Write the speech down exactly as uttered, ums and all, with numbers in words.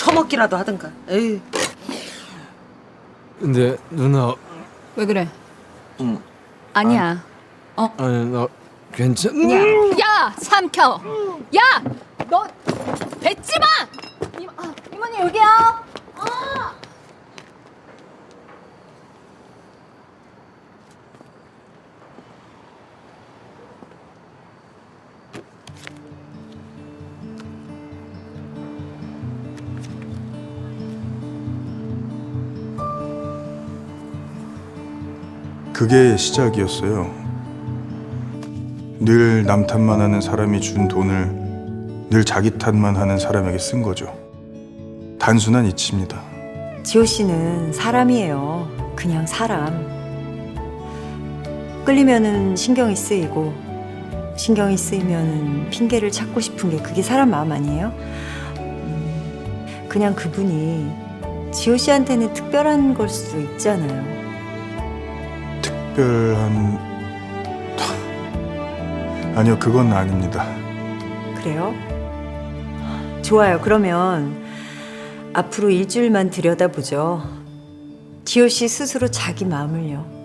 처먹기라도 하든가. 에이. 근데 누나, 왜 그래? 음, 아니야. 아니 나 괜찮. 야, 야, 삼켜. 야, 너 뱉지 마. 이, 아, 이모님 여기요. 아. 그게 시작이었어요. 늘 남 탓만 하는 사람이 준 돈을 늘 자기 탓만 하는 사람에게 쓴 거죠. 단순한 이치입니다. 지호 씨는 사람이에요. 그냥 사람. 끌리면은 신경이 쓰이고, 신경이 쓰이면은 핑계를 찾고 싶은 게 그게 사람 마음 아니에요? 음, 그냥 그분이 지호 씨한테는 특별한 걸 수도 있잖아요. 특별한... 아니요, 그건 아닙니다. 그래요? 좋아요. 그러면 앞으로 일주일만 들여다보죠. 지호 씨 스스로 자기 마음을요.